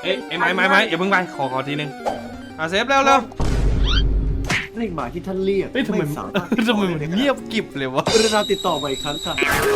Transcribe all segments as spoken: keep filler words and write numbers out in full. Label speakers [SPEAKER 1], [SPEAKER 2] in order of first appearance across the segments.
[SPEAKER 1] เอ้ยไอ้ไม้ไม้ไม้อย่าเพิ่งไปขอขอทีนึงอ่ะเซฟเร็วเร็ว
[SPEAKER 2] เรียกมาที่ท่านเรียก
[SPEAKER 1] เฮ้ยทำไม
[SPEAKER 2] สามารถ
[SPEAKER 1] ทำไมมันเงียบกริบเลยวะ
[SPEAKER 2] กรุณาติดต่อมาอีกครั้งค่ะ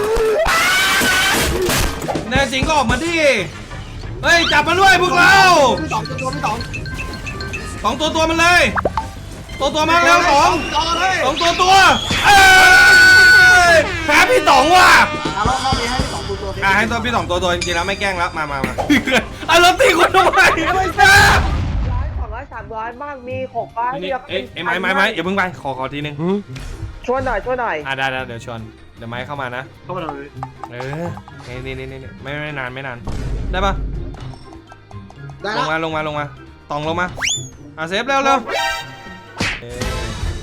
[SPEAKER 1] แน่จริงก็ออกมาดิเฮ้ยจับมันด้วยพวกเรา
[SPEAKER 2] พี่สองตัวพี่สอง
[SPEAKER 1] สองตัวตัวมันเลยตัวตัวมาแล้วสอง
[SPEAKER 2] สองเลย
[SPEAKER 1] สองตัวตัวเอ้ยแพ้พี่ต๋องว่ะ
[SPEAKER 2] อ่ะรอบรอบนี้ให้พี่สองตัวตัว
[SPEAKER 1] อ่ะให้ตัวพี่ต๋องตัวตัวจริงๆแล้วไม่แกล้งแล้วมามามาอ่ะเราตีคนทำไมไม่ทราบ
[SPEAKER 3] ร้อยสองร้อยสามร้อยบ้างมีหกร้อย
[SPEAKER 1] นี่เอ้ยไอ้ไม้ไม้ไม้อย่าเพิ่งไปขอขอทีนึง
[SPEAKER 3] ช่วยหน่อยช่วยหน่อย
[SPEAKER 1] อ่ะได้ได้เดี๋ยวชวนเดี๋ยวไม้เข้ามานะ
[SPEAKER 2] เข้ามาเลย
[SPEAKER 1] เออนี่นี่นี่นี่ไม่ไม่นานไม่นานได้ปะ
[SPEAKER 2] ได้
[SPEAKER 1] ล
[SPEAKER 2] แล้
[SPEAKER 1] ง
[SPEAKER 2] ว
[SPEAKER 1] มาลงมาลงมาตองลงมาอ่ะเซฟเร็วเร็วเออ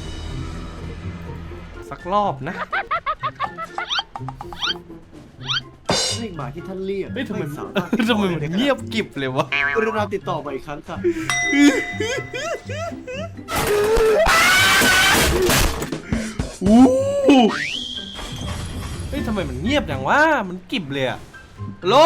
[SPEAKER 1] สักรอบนะ
[SPEAKER 2] เรียกมาที่ท่านเรียก
[SPEAKER 1] เฮ้ยทำไม
[SPEAKER 2] สามารถ
[SPEAKER 1] ทำไมมันเงียบกริบเลยวะ
[SPEAKER 2] กรุณาติดต่อมาอีกครั้งค่ะ
[SPEAKER 1] อู้เฮ้ยทำไมมันเงียบอย่างวะมันกริบเลยอะฮัลโหล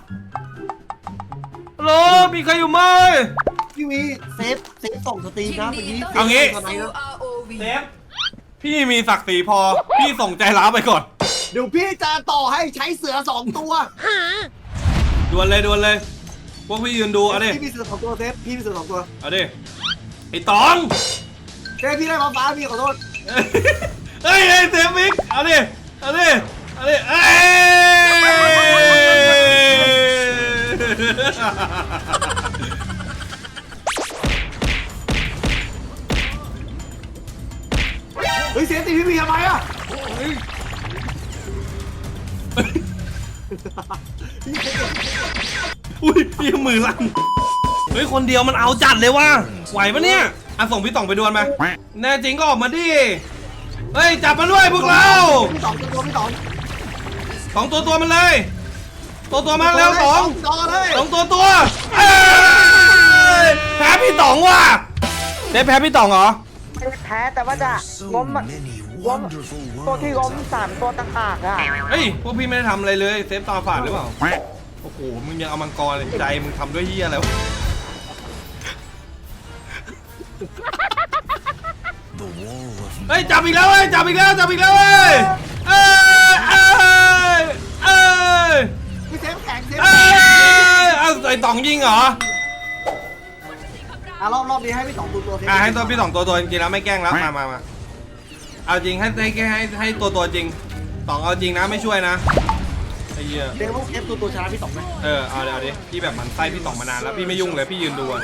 [SPEAKER 1] ฮัลโหลมีใครอยู่ไหม
[SPEAKER 2] พี่วีเซฟเซฟส่งสตรีมนะเมื่อกี้
[SPEAKER 1] เอางี้
[SPEAKER 2] ตอนไหนนะ
[SPEAKER 1] เซฟพี่มีศักดิ์ศรีพอพี่ส่งใจร้าวไปก่อน
[SPEAKER 2] เดี๋ยวพี่จะต่อให้ใช้เสือสองตัว
[SPEAKER 1] ดวลเลยดวลเลย พวกพี่ยืนดูเอาดิ
[SPEAKER 2] พี่มีเสือสองตัวเซฟพี่มีเสือสองตัว
[SPEAKER 1] เอาดิไอ้ตอง
[SPEAKER 2] เซฟพี่ได้ฟ้าฟ้าพี่ขอโทษ
[SPEAKER 1] เฮ้ยเฮ้ยเซฟมิกเอาดิเอาดิเอาดิเอ้ย
[SPEAKER 2] เฮ้ยเซฟตีพี่วีทำไมอ่ะ
[SPEAKER 1] อุ้ยพี่มือลั่นเฮ้ยคนเดียวมันเอาจัดเลยว่ะไหวปะเนี่ยอ่ะส่งพี่ต่องไปดวลมาแน่จริงก็ออกมาดิเฮ้ยจับมันด้วยพวกเรา
[SPEAKER 2] พี่สองตัวพี่สอง
[SPEAKER 1] สองตัวตัวมันเลย ตัวตัวมาแล้วสอง
[SPEAKER 2] สองเลย
[SPEAKER 1] สองตัวตัวเอ้ยแพ้พี่ต๋องว่ะได้แพ้พี่ต๋องเหรอ
[SPEAKER 3] ไม่ได้แพ้แต่ว่าจะล้มล้มตัวที่ล้มสามตัวต่างหากอ่ะ
[SPEAKER 1] เฮ้ยพวกพี่ไม่ได้ทำอะไรเลยเซฟตาฝาดหรือเปล่าโอ้โหมึงยังเอามังกรเลยใจมึงทำด้วยเหี้ยอะไรวะเฮ้ยจับอีกแล้วเว้ยจับอีกแล้วจับอีกแล้วเว้ยเอ้ยเอ้ยเอ้ย
[SPEAKER 2] พี่เซฟแข็งเซฟ
[SPEAKER 1] เอ้ยเอาไอ้ต๋องยิงเหรอ
[SPEAKER 2] อ่ะรอบรอบนี้ให้พี่สองตัวตัวเซฟ
[SPEAKER 1] อ่ะให้ตัวพี่สองตัวตัวจริงๆแล้วไม่แกล้งแล้วมามามาเอาจริงให้ให้ให้ให้ตัวตัวจริงต๋องเอาจริงนะไม่ช่วยนะไอ้เหี้ย
[SPEAKER 2] เดี๋ยวพวกเซฟตัวตัวชนะพี่สองไหม
[SPEAKER 1] เออเอาเดี๋ยวเอาดิพี่แบบมันไส้พี่ต๋องมานานแล้วพี่ไม่ยุ่งเลยพี่ยืนดูอะ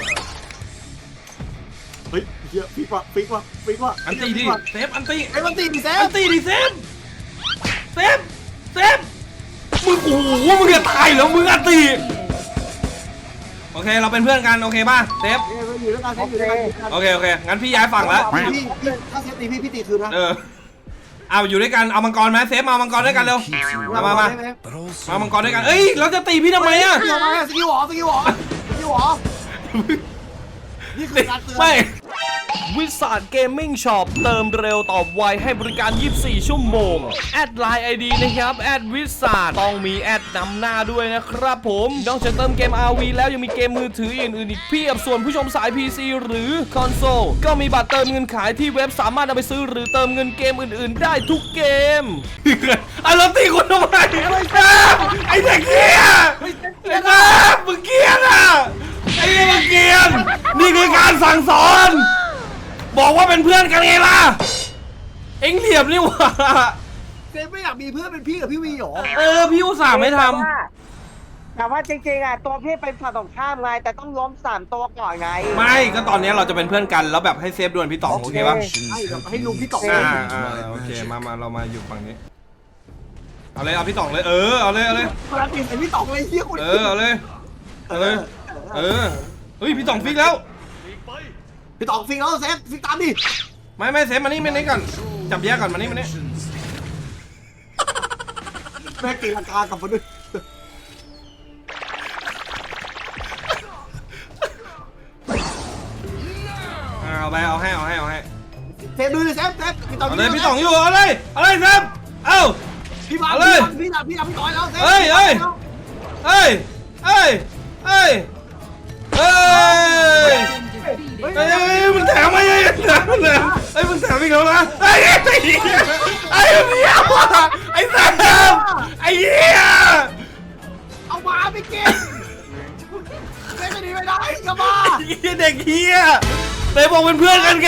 [SPEAKER 2] เฮ้ยเยอะฟิกว่ะฟิกว่ะฟิกว่ะ
[SPEAKER 1] อันตีดิเซฟอันตี
[SPEAKER 2] ไอ้มันตีดิเซ
[SPEAKER 1] อั
[SPEAKER 2] ฟ
[SPEAKER 1] นตีดิเซฟเซฟเซฟมึงโอ้โหมึงจะตายแล้วมึงอันตีโอเคเราเป็นเพื่อนกันโอเคป่ะเซฟ
[SPEAKER 2] เอ้ยอยู่ด้วยกันเซฟอยู่ด้วยกัน
[SPEAKER 1] โอเคโอเคงั้นพี่ย้ายฝั่งแล้ว
[SPEAKER 2] พี่พี่ถ้าเซฟตีพี่พี่ตีคืนนะ
[SPEAKER 1] เออเอาอยู่ด้วยกันเอามังกรไหมเซฟมามังกรด้วยกันเร็วมามามามามังกรด้วยกันเอ้ยเราจะตีพี่ทำไมอะ
[SPEAKER 2] สกิลมาสกิลหรอสกิลหรอสกิลหรอนี่คือการเตือน
[SPEAKER 1] ไม่วิสาดเกมมิ่งช็อปเติมเร็วตอบไวให้บริการยี่สิบสี่ชั่วโมงแอดไลน์ ไอ ดี นะครับแอดวิสาดต้องมีแอดนำหน้าด้วยนะครับผมนอกจากเติมเกม อาร์ วี แล้วยังมีเกมมือถืออื่นๆอีกเพียบส่วนผู้ชมสาย พี ซี หรือคอนโซลก็มีบัตรเติมเงินขายที่เว็บสามารถนำไปซื้อหรือเติมเงินเกมอื่นๆได้ทุกเกมไอ้เราตีคนทำไมไอ้เด็กเกี้ยไอ้บ้ามึงเกี้ยน่ะไอ้มึงเกี้ยนนี่คือการสั่งสอนบอกว่าเป็นเพื่อนกันไงล่ะเอ็งเหลี่ยมนี่หว่า
[SPEAKER 2] เซฟไม่อยากมีเพื่อนเป็นพี่กับพี่วีหรอ
[SPEAKER 1] เออพี่อุตส่าห์ไม่ท
[SPEAKER 3] แต่ว่าจริงๆอ่ะตัวพี่เป็นฝ่ายตรงข้ามไงแต่ต้องล้มสามตัวก่อนไง
[SPEAKER 1] ำไม่ก็ตอนนี้เราจะเป็นเพื่อนกันแล้วแบบให้เซฟดวลพี่ต๋องโอเคปะ
[SPEAKER 2] ให้แบบให้ลุงพี่ต๋อง
[SPEAKER 1] อ่าอ่าโอเคมามาเรามาอยู่ฝั่งนี้เอาเลยเอาพี่ต๋องเลยเออเอาเลยเอาเลย
[SPEAKER 2] พลังกินไอ้พี่ต๋องเลยเฮียคุณ
[SPEAKER 1] เออเอาเลยเอาเลยเออเฮ้ยพี่ต๋องฟิกแล้ว
[SPEAKER 2] พี่ต๋องฟิกแล้วเซฟฟิกตามดิ
[SPEAKER 1] ไม่ไม่เซฟมานี่มานี่ก่อนจับแยกก่อนมานี่มานี่
[SPEAKER 2] แม่ตีลังกากลับมาด้วย
[SPEAKER 1] เอาไปเอาให้เอาให้เอาให้
[SPEAKER 2] เซฟดูดิเซฟเซฟพี่ต๋อง
[SPEAKER 1] เอาเลยพี่ต๋องอยู่เอาเลยเอาเลยเซฟเอ้า
[SPEAKER 2] พี่มา
[SPEAKER 1] เอาเลย
[SPEAKER 2] พี่ต๋องพี่ต๋องพี่ต๋องแล้วเซฟ
[SPEAKER 1] เอ้ยเอ้ยเอ้ยเอ้ยเอ้ยเฮ้ยมันแถมไอ้แถมมันแถมไอ้มึงแถมอีกแล้วนะไอ้ไอ้เหี้ยไอ้เหี้ยไอ้แถมไอ้เหี้ย
[SPEAKER 2] เอามาไปกินไม่ไม่ดีไม่ได้กลับมา
[SPEAKER 1] ไอ้เหี้ยเด็กเหี้ยไหนบอกเป็นเพื่อนกันไง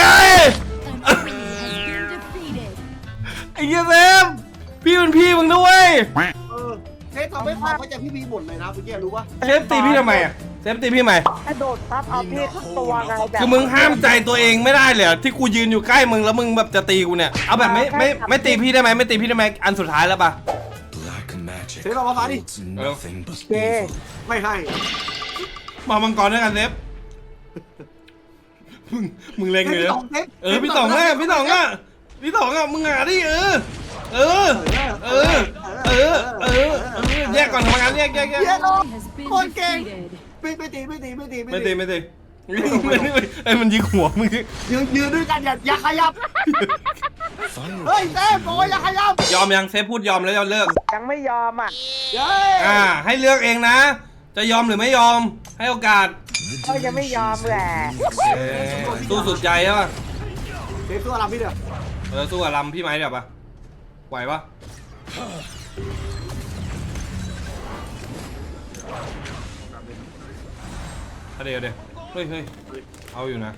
[SPEAKER 1] ไอ้เหี้ยแซมพี่เป็นพี่มึงด้วย
[SPEAKER 2] เออเทสทำให้ความเข้าใจพี่บีหมดเลยนะเมื่อกี้รู้ปะ
[SPEAKER 1] เซฟตีพี่ทำไมอ่ะเซฟตีพี่ทำไม
[SPEAKER 3] กระโดดทับเอาพี่ทั้งตัวไงแบบ
[SPEAKER 1] คือมึงห้ามใจตัวเองไม่ได้เลยเหรอที่กูยืนอยู่ใกล้มึงแล้วมึงแบบจะตีกูเนี่ยเอาแบบไม่ไม่ไม่ตีพี่ได้ไหมไม่ตีพี่ได้ไหมอันสุดท้ายแล้วปะ
[SPEAKER 2] เทสเอามาฟ้าดิ
[SPEAKER 3] เจ
[SPEAKER 2] ไม่ให้
[SPEAKER 1] มามังกรด้วยกันเซฟมึงมึงเล็งเลย
[SPEAKER 2] พี่
[SPEAKER 1] เหร
[SPEAKER 2] ต๋
[SPEAKER 1] อ
[SPEAKER 2] องเทส
[SPEAKER 1] เออพี่ต๋องอ่ะพี่ต๋องอ่ะพี่ต๋องอ่ะมึงหาดิเออเออเออเออเออเออแยกก่อนทำงานแยกแยกแยก
[SPEAKER 2] เยโลคนเก่งไม่ไม่ตีไม่ตีไม่ตี
[SPEAKER 1] ไม่ตีไม่ตีไม่ตีไอ้มันยิงหัวมึง
[SPEAKER 2] ยืนยืนด้วยกันอย่าอย่าขยับเฮ้ยเต้โอ้ยอย่าขยับ
[SPEAKER 1] ยอมยังเซฟพูดยอมแล้วยอมเลิก
[SPEAKER 3] ยังไม่ยอมอ่ะ
[SPEAKER 2] เย้
[SPEAKER 1] อ่าให้เลือกเองนะ จะยอมหรือไม่ยอมให้โอกาส
[SPEAKER 3] ก็ยังไม่ยอมแหละ
[SPEAKER 1] เอ้ยสู้สุดใจใช่ป่ะ
[SPEAKER 2] เทสตัวเราพี่เด้อ
[SPEAKER 1] เออสู้กับลำพี่ไหมเดี๋ยวปะไหวปะเอาเดี๋ยวเดี๋ยวเฮ้ยเฮ้ยเอาอยู่นะ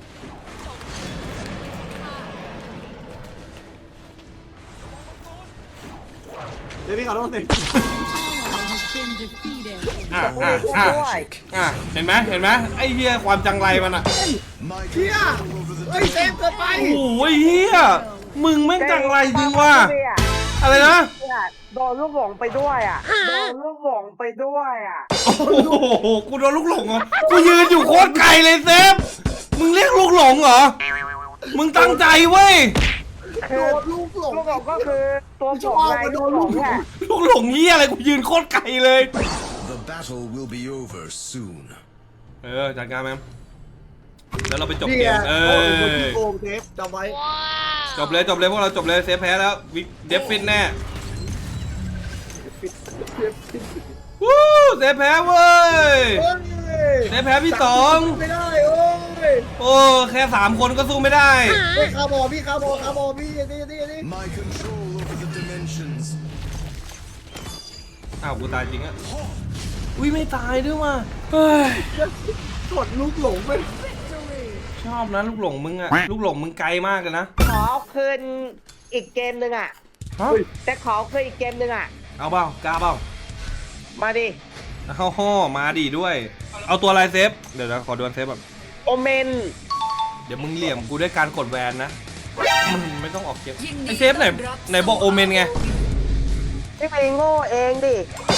[SPEAKER 2] เดี๋ยวพี่ขอโทษสิ
[SPEAKER 1] อ่ะอ่ะอ่ะอ่ะเห็นไหมเห็นไหมไอ้เหี้ยความจังไรมันอ่ะ
[SPEAKER 2] เฮียเฮ้ยเซฟเกินไป
[SPEAKER 1] โอ้ยเหี้ยมึงแม่งจังไรจริงว่ะอะไรนะ
[SPEAKER 3] เนี่ยโดนลูกหลงไปด้วยอ่ะโดนลูกหลงไปด้วยอ่ะ
[SPEAKER 1] โอ้โหกูโดนลูกหลงเหรอกูยืนอยู่โคตรไกลเลยเซฟมึงเรียกลูกหลงเหรอมึงตั้งใจเว้ย
[SPEAKER 3] คื
[SPEAKER 2] โด
[SPEAKER 3] อน
[SPEAKER 2] ลูกหลง
[SPEAKER 3] ลูกหลงก็คือตัวผมไงลูกหลงอ่ะ
[SPEAKER 1] ลูกหลงเหี้ยอะไรกูยืนโคตรไกลเลย
[SPEAKER 4] The battle will be over soon.
[SPEAKER 1] เออจัดการแมมแล้วเราไปจบ
[SPEAKER 2] นี่
[SPEAKER 1] เก
[SPEAKER 2] ไง
[SPEAKER 1] มเอ
[SPEAKER 2] โอ้
[SPEAKER 1] อ
[SPEAKER 2] โหโกงเซฟจำไว้
[SPEAKER 1] จบเลยจบเลยพวกเราจบเลยเซฟแพ้แล้ววิกเดฟฟินแน่วู้เซฟแพ้เว้ย
[SPEAKER 2] เฮ้ย
[SPEAKER 1] เซฟแพ้พี่ต๋อง
[SPEAKER 2] ไม่ได้โอ้ย
[SPEAKER 1] โอ้แค่สามคนก็สู้ไม่ได้
[SPEAKER 2] เฮ้ยคาร์บอพี่คาร์บอคาร์บอพี่นี่นี่นี่
[SPEAKER 4] My control over the dimensions.
[SPEAKER 1] อ้าวกูตายจริงอะอุ้ยไม่ตายด้วยว่ะเฮ้ย
[SPEAKER 2] กดลูกหลงไป
[SPEAKER 1] ชอบนะลูกหลงมึงอะลูกหลงมึงไกลมากเลยนะ
[SPEAKER 3] ขอคืนอีกเกมหนึ่งอ่ะ
[SPEAKER 1] ฮะ
[SPEAKER 3] แต่ขอคืนอีกเกมหนึ่งอ่ะ
[SPEAKER 1] เอาเปล่ากล้าเปล่า
[SPEAKER 3] มาดิ
[SPEAKER 1] เอาห่อมาดีด้วย เอาตัวอะไรเซฟเดี๋ยวนะขอดวลเซฟแบบ
[SPEAKER 3] โอเมน
[SPEAKER 1] เดี๋ยวมึงเหลี่ยมกูด้วยการกดแวนนะมึงไม่ต้องออกเกมไอเซฟไหนไหนบอกโอเมนไง
[SPEAKER 3] ไม่ไปโง่เองดิ